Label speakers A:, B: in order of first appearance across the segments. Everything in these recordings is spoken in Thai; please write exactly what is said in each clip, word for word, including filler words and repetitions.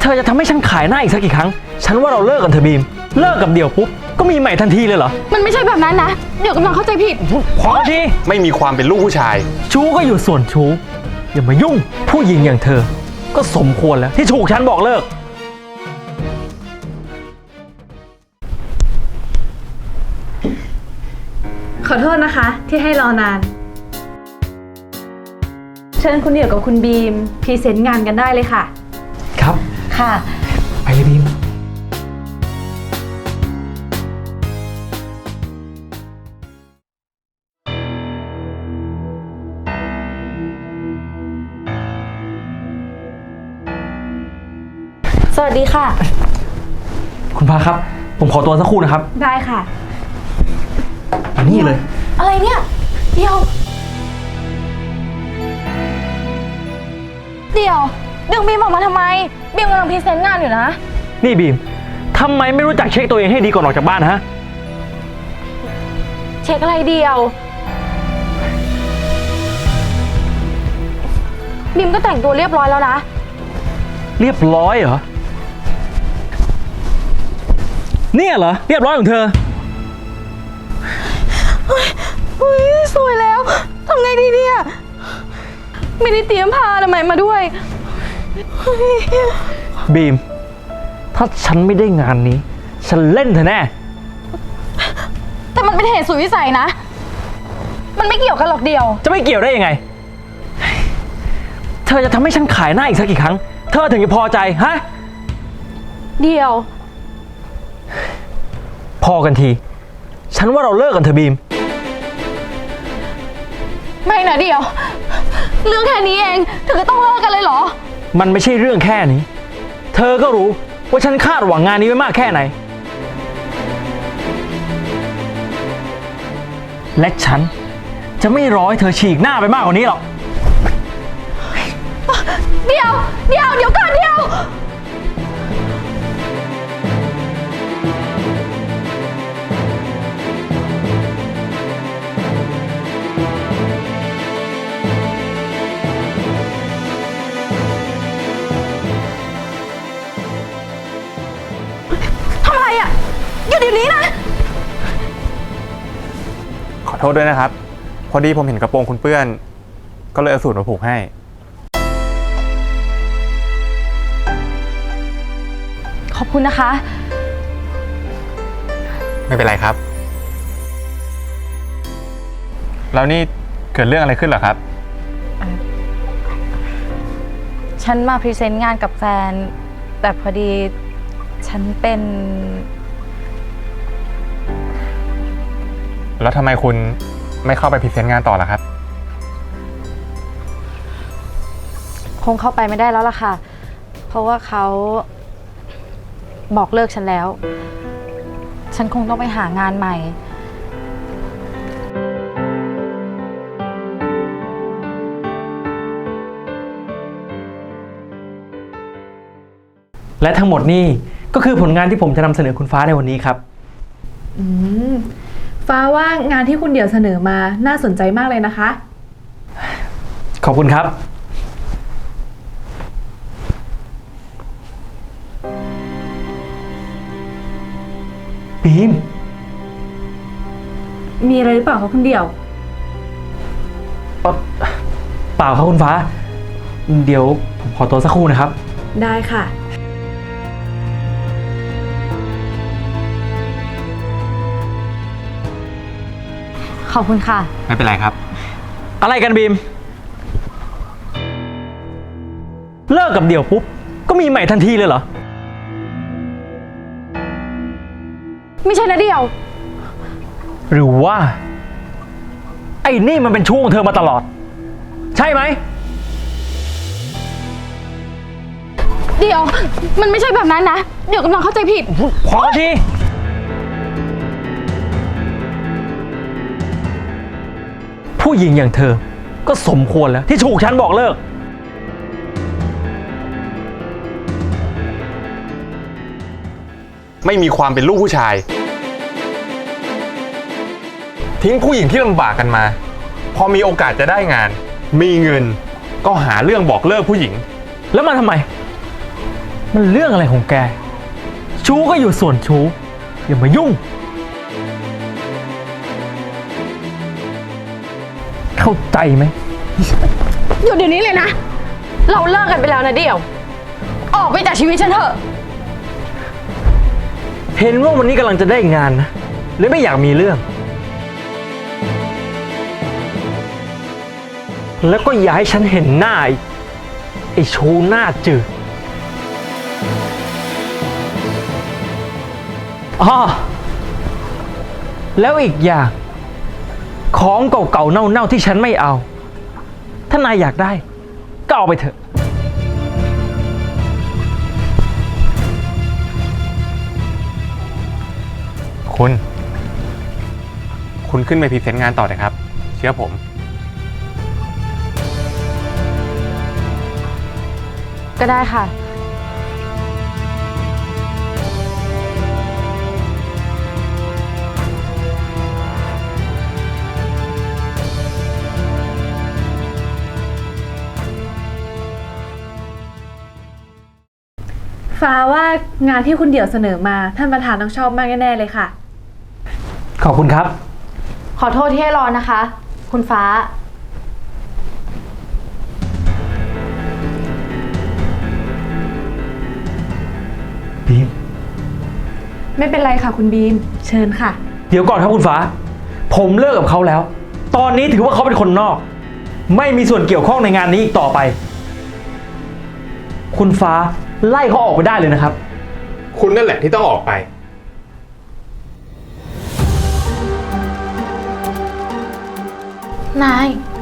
A: อจะทำให้ฉันขายหน้าอีกสักกี่ครั้งฉันว่าเราเลิกกันเถอะบีมเลิกกับเดี่ยวปุ๊บก็มีใหม่ทันทีเลยเหรอ
B: มันไม่ใช่แบบนั้นนะเดี๋ยวกำลังเข้าใจผิด
A: พอที
C: ไม่มีความเป็นลูกผู้ชาย
A: ชู้ก็อยู่ส่วนชู้อย่ามายุ่งผู้หญิงอย่างเธอก็สมควรแล้วที่ถูกฉันบอกเลิก
D: ขอโทษนะคะที่ให้รอนานเชิญคุณเดี่ยวกับคุณบีมพรีเซนต์งานกันได้เลยค่ะ
A: ครับ
D: ค่ะ
A: ไปเลยบีม
D: สวัสดีค่ะ
A: คุณพาครับผมขอตัวสักครู่นะครับ
D: ได้ค่ะ
A: มานี่เลย
B: อะไรเนี่ยเดี๋ยวเดี๋ยวดึงบีมออกมาทำไมบีมกำลังพรีเซนต์งานอยู่นะ
A: นี่บีมทำไมไม่รู้จักเช็คตัวเองให้ดีก่อนออกจากบ้านฮะ
B: เช็คอะไรเดียวบีมก็แต่งตัวเรียบร้อยแล้วนะ
A: เรียบร้อยเหรอเนี่ยเหรอเรียบร้อยของเธอ
B: เฮ้ยสวยแล้วทำไงดีเนี่ยไม่ได้เตรียมผ้าทำไมมาด้วย
A: บีมถ้าฉันไม่ได้งานนี้ฉันเล่นเธอแน่
B: แต่มันเป็นเหตุสุดวิสัยนะมันไม่เกี่ยวกันหรอกเดียว
A: จะไม่เกี่ยวได้ยังไงเธอจะทำให้ฉันขายหน้าอีกสักกี่ครั้งเธอถึงจะพอใจฮะ
B: เดียว
A: พอกันทีฉันว่าเราเลิกกันเถอะบีม
B: ไม่นะเดียวเรื่องแค่นี้เองถึงก็ต้องเลิกกันเลยเหรอ
A: มันไม่ใช่เรื่องแค่นี้เธอก็รู้ว่าฉันคาดหวังงานนี้ไว้มากแค่ไหนและฉันจะไม่รอให้เธอฉีกหน้าไปมากกว่านี้หรอก
B: เดี๋ยวเดี๋ยวเดี๋ยวก่อนเดี๋ยวทำอะไรอ่ะหยุดเดี๋ยวนี้นะ
C: ขอโทษด้วยนะครับพอดีผมเห็นกระโปรงคุณเปื้อนก็เลยเอาสูตรมาผูกให้
B: ขอบคุณนะคะ
C: ไม่เป็นไรครับแล้วนี่เกิดเรื่องอะไรขึ้นเหรอครับ
B: ฉันมาพรีเซนต์งานกับแฟนแต่พอดีฉันเป็น
C: แล้วทำไมคุณไม่เข้าไปพรีเซนต์งานต่อล่ะครับ
B: คงเข้าไปไม่ได้แล้วล่ะค่ะเพราะว่าเขาบอกเลิกฉันแล้วฉันคงต้องไปหางานใหม่
A: และทั้งหมดนี่ก็คือผลงานที่ผมจะนำเสนอคุณฟ้าในวันนี้ครับ
D: อืมฟ้าว่างานที่คุณเดี่ยวเสนอมาน่าสนใจมากเลยนะคะ
A: ขอบคุณครับบีม
D: มีอะไรหรือเปล่าคะคุณเดี่ยว
A: เปล่าครับคุณฟ้าเดี๋ยวผมขอตัวสักครู่นะครับ
D: ได้ค่ะ
B: ขอบคุณค่ะ
C: ไม่เป็นไรครับ
A: อะไรกันบีมเลิกกับเดี่ยวปุ๊บก็มีใหม่ทันทีเลยเหรอ
B: ไม่ใช่นะเดี่ยว
A: หรือว่าไอ้นี่มันเป็นชู้ของเธอมาตลอดใช่ไหม
B: เดี๋ยวมันไม่ใช่แบบนั้นนะเดี๋ยวกำลังเข้าใจผิด
A: พอทีผู้หญิงอย่างเธอก็สมควรแล้วที่ถูกฉันบอกเลิก
C: ไม่มีความเป็นลูกผู้ชายทิ้งผู้หญิงที่ลำบากกันมาพอมีโอกาสจะได้งานมีเงินก็หาเรื่องบอกเลิกผู้หญิง
A: แล้วมันทำไมมันเรื่องอะไรของแก ชู้ก็อยู่ส่วนชู้อย่ามายุ่ง เข้าใจไหม
B: หยุดเดี๋ยวนี้เลยนะ เราเลิกกันไปแล้วนะเดี่ยว ออกไปจากชีวิตฉันเถอะ
A: เห็นว่าวันนี้กำลังจะได้งานนะเลยไม่อยากมีเรื่อง แล้วก็อย่าให้ฉันเห็นหน้าอีกไอ้ชูหน้าจืดอ๋อแล้วอีกอย่าง ของเก่าๆเน่าๆที่ฉันไม่เอา ถ้านายอยากได้ ก็เอาไปเถอะ
C: คุณ คุณขึ้นไปพรีเซนต์งานต่อเลยครับ เชื่อผม
B: ก็ได้ค่ะ
D: ฟ้าว่างานที่คุณเดี่ยวเสนอมาท่านประธานต้องชอบมากแน่ๆเลยค่ะ
A: ขอบคุณครับ
B: ขอโทษที่ให้รอนะคะ คุณฟ้า
A: บีม
D: ไม่เป็นไรค่ะคุณบีม เชิญค่ะ
A: เดี๋ยวก่อนครับคุณฟ้า ผมเลิกกับเขาแล้ว ตอนนี้ถือว่าเขาเป็นคนนอก ไม่มีส่วนเกี่ยวข้องในงานนี้อีกต่อไป คุณฟ้าไล่เขาออกไปได้เลยนะครับ
C: คุณนั่นแหละที่ต้องออกไป
B: นาย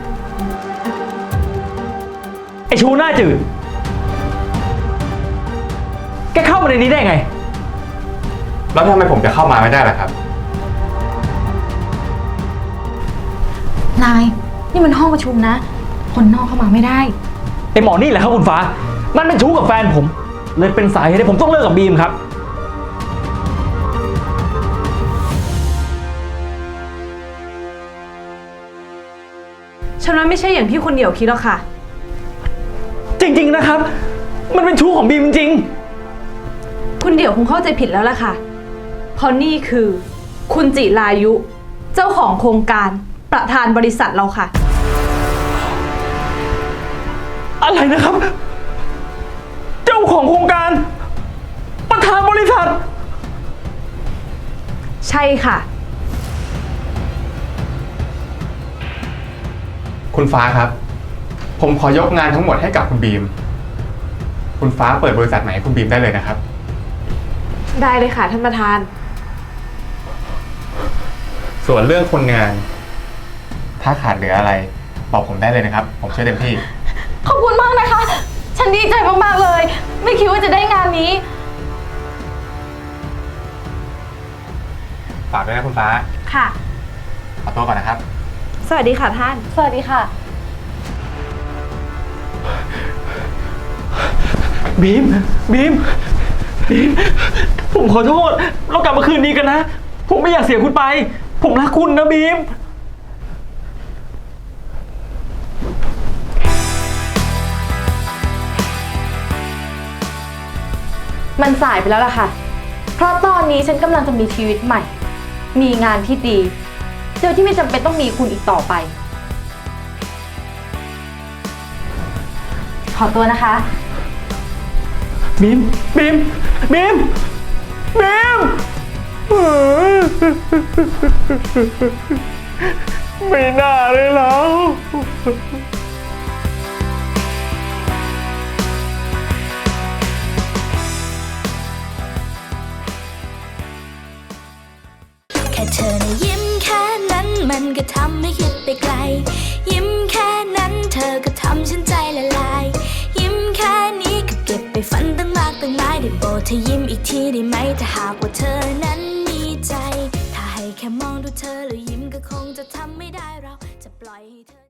A: ไอชูหน้าจืด แกเข้ามาในนี้ได้ไง
C: แล้วทำไมผมจะเข้ามาไม่ได้ล่ะครับ
B: นาย นี่มันห้องประชุมนะ คนนอกเข้ามาไม่ได้
A: ไอหมอนี่แหละครับคุณฟ้า มันเป็นชู้กับแฟนผม เลยเป็นสาเหตุที่ผมต้องเลิกกับบีมครับ
D: ฉันว่าไม่ใช่อย่างที่คุณเดี่ยวคิดหรอกค่ะ
A: จริงๆนะครับ มันเป็นชู้ของบีมจริง
D: คุณเดี่ยวคงเข้าใจผิดแล้วล่ะค่ะ เพราะนี่คือ คุณจิรายุ เจ้าของโครงการประธานบริษัทเราค่ะ
A: อะไรนะครับ เจ้าของโครงการ ประธานบริษัท
D: ใช่ค่ะ
C: คุณฟ้าครับ ผมขอยกงานทั้งหมดให้กับคุณบีม คุณฟ้าเปิดบริษัทใหม่ให้คุณบีมได้เลยนะครับ
D: ได้เลยค่ะท่านประธาน
C: ส่วนเรื่องคนงาน ถ้าขาดเหลืออะไร บอกผมได้เลยนะครับ ผมช่วยเต็มที่
B: ขอบคุณมากนะคะ ฉันดีใจมากๆเลย ไม่คิดว่าจะได้งานนี้
C: ฝากด้วยนะคุณฟ้า
D: ค่ะ
C: ขอตัวก่อนนะครับ
D: สวัสดีค่ะท่าน
B: สวัสดีค่ะ
A: บีม บีม บีม ผมขอโทษ เรากลับมาคืนดีกันนะ ผมไม่อยากเสียคุณไป ผมรักคุณนะบีม
B: มันสายไปแล้วล่ะค่ะ เพราะตอนนี้ฉันกำลังจะมีชีวิตใหม่ มีงานที่ดีโดยที่ไม่จำเป็นต้องมีคุณอีกต่อไป ขอตัวนะคะ
A: บีม บีม บีม บีม ไม่น่าเลยแล้ว
E: แค่เธอนะยิ้มแค่นั้นมันก็ทำให้คิดไปไกล ยิ้มแค่นั้นเธอก็ทำฉันใจละลาย ยิ้มแค่นี้ก็เก็บไปฝันตั้งมากตั้งหลายได้โปรดเธอยิ้มอีกทีได้ไหมถ้าหากว่าเธอนั้นมีใจ ถ้าให้แค่มองดูเธอแล้วยิ้มก็คงจะทำไม่ได้เราจะปล่อยให้เธอ